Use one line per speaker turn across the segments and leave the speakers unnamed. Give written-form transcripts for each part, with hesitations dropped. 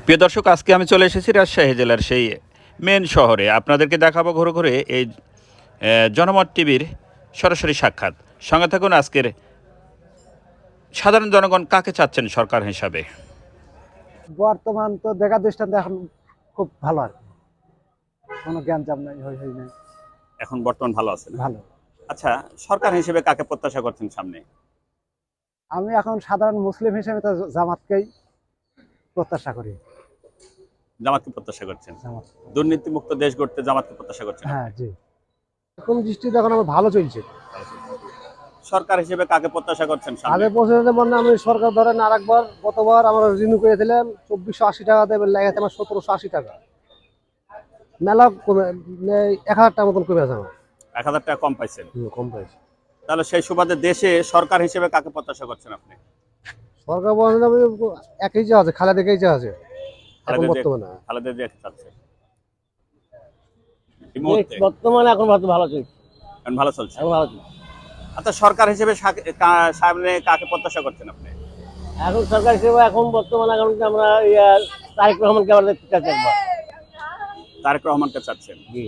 প্রিয় দর্শক, আজকে আমি চলে এসেছি রাজশাহী জেলার সেই মেন শহরে। আপনাদেরকে দেখাবো ঘুরে ঘুরে এই জনমত টিভির সরাসরি সাক্ষাৎ। সঙ্গে থাকুন। আজকের সাধারণ জনগণ কাকে চাচ্ছেন সরকার হিসাবে?
বর্তমান তো দেখা দৃষ্টান্ত এখন খুব ভালো আর কি। কোনো জ্ঞানজাম নাই, হই হই নাই,
এখন বর্তমান ভালো আছেন?
ভালো।
আচ্ছা, সরকার হিসেবে কাকে প্রত্যাশা করছেন সামনে?
আমি এখন সাধারণ মুসলিম হিসেবে তো জামাতকেই প্রত্যাশা করি।
জামাতকে প্রত্যাশা করছেন?
জামাত,
দুর্নীতিমুক্ত দেশ গড়তে জামাতকে প্রত্যাশা করছেন?
হ্যাঁ জি। এখন দৃষ্টিতে এখন আমার ভালো চলছে।
সরকার হিসেবে কাকে প্রত্যাশা করছেন সামনে?
আগে পর্যন্ত মানে আমি সরকার ধরেন আরেকবার গতবার আমরা রিনিউ করে দিলাম 2480 টাকা দেবেন, লাগাতে আমার 1780 টাকা মেলা কমে, 1000 টাকা মতন কমে আছে আমার।
1000 টাকা কম পাইছেন?
কম পাইছে।
তাহলে সেই সুবাদে দেশে সরকার হিসেবে কাকে প্রত্যাশা করছেন আপনি?
সরকার বলেন একই যা আছে, খালেদাকেই যা আছে এখন বর্তমানে।
খালেদা জিয়া চাচ্ছে
বর্তমানে এখন ভালো চলছে,
এখন ভালো চলছে।
এখন ভালো চলছে।
আচ্ছা, সরকার হিসেবে সামনে কাকে প্রত্যাশা করছেন আপনি?
এখন সরকার হিসেবে এখন বর্তমানে এখন আমরা তারেক রহমানকে আমরা দেখতে চাচ্ছি একবার।
তারেক রহমানকে চাচ্ছেন?
জি।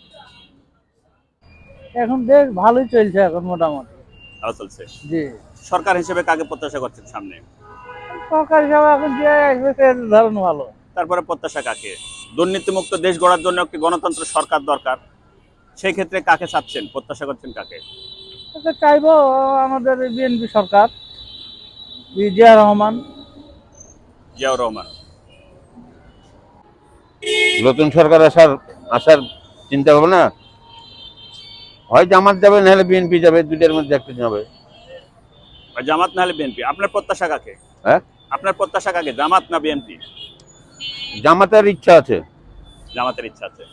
এখন বেশ ভালোই চলছে, এখন মোটামুটি
ভালো চলছে।
জি।
সরকার হিসেবে কাকে প্রত্যাশা করছেন সামনে?
সরকার হিসেবে এখন যে আসবে সে ধরুন ভালো।
তারপরে প্রত্যাশা কাকে? দুর্নীতিমুক্ত দেশ গড়ার জন্য একটি গণতন্ত্র সরকার দরকার। সেই ক্ষেত্রে কাকে চাচ্ছেন, প্রত্যাশা করছেন কাকে?
এটা চাইবো আমাদের বিএনপি সরকার, জিয়া রহমান।
জিয়াউর রহমান।
নতুন সরকার আসার চিন্তা ভাবনা হয় জামাত যাবে, নাহলে বিএনপি যাবে, দুইটার মধ্যে একটা যাবে।
জামাত নাহলে বিএনপি। আপনার প্রত্যাশা কাকে?
হ্যাঁ,
আপনার প্রত্যাশা কাকে, জামাত না বিএনপি?
জামাতের ইচ্ছা আছে।
জামাতের ইচ্ছা আছে।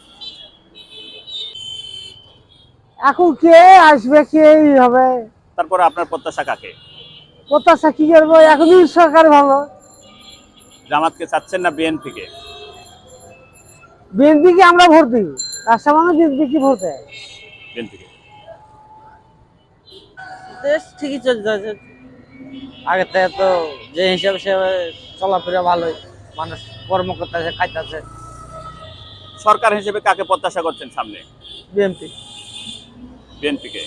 এখন কে আসবে, কে হবে,
তারপরে আপনার প্রত্যাশা কাকে?
প্রত্যাশা কি করবো, এখনই সরকার ভালো।
জামাতকে চাচ্ছেন না বিএনপি কে?
বিএনপি কে আমরা ভোট দিই, রাস্তা মানে বিএনপি কি ভোট দেয়।
বিএনপি কে।
দেশ ঠিকই চলছে, আগে থেকে তো যে হিসাবে সে চলাফেরা ভালোই, মানুষ কর্ম করতেছে, খাইতেছে।
সরকার হিসেবে কাকে প্রত্যাশা করছেন সামনে?
বিএনপি।
বিএনপি কে।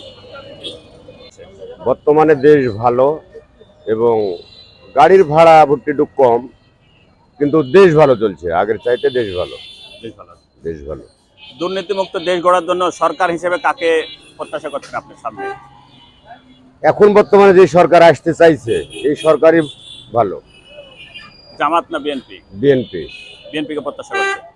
বর্তমানে দেশ ভালো এবং গাড়ির ভাড়া একটু কম, কিন্তু দেশ ভালো চলছে, আগের চাইতে দেশ ভালো।
বেশ ভালো।
দেশ ভালো।
দুর্নীতিমুক্ত দেশ গড়ার জন্য সরকার হিসেবে কাকে প্রত্যাশা করছেন আপনার সামনে?
এখন বর্তমানে যে সরকার আসতে চাইছে এই সরকারই ভালো।
জামাত না বিএনপি?
বিএনপি।
বিএনপি কে প্রত্যাশা করছেন?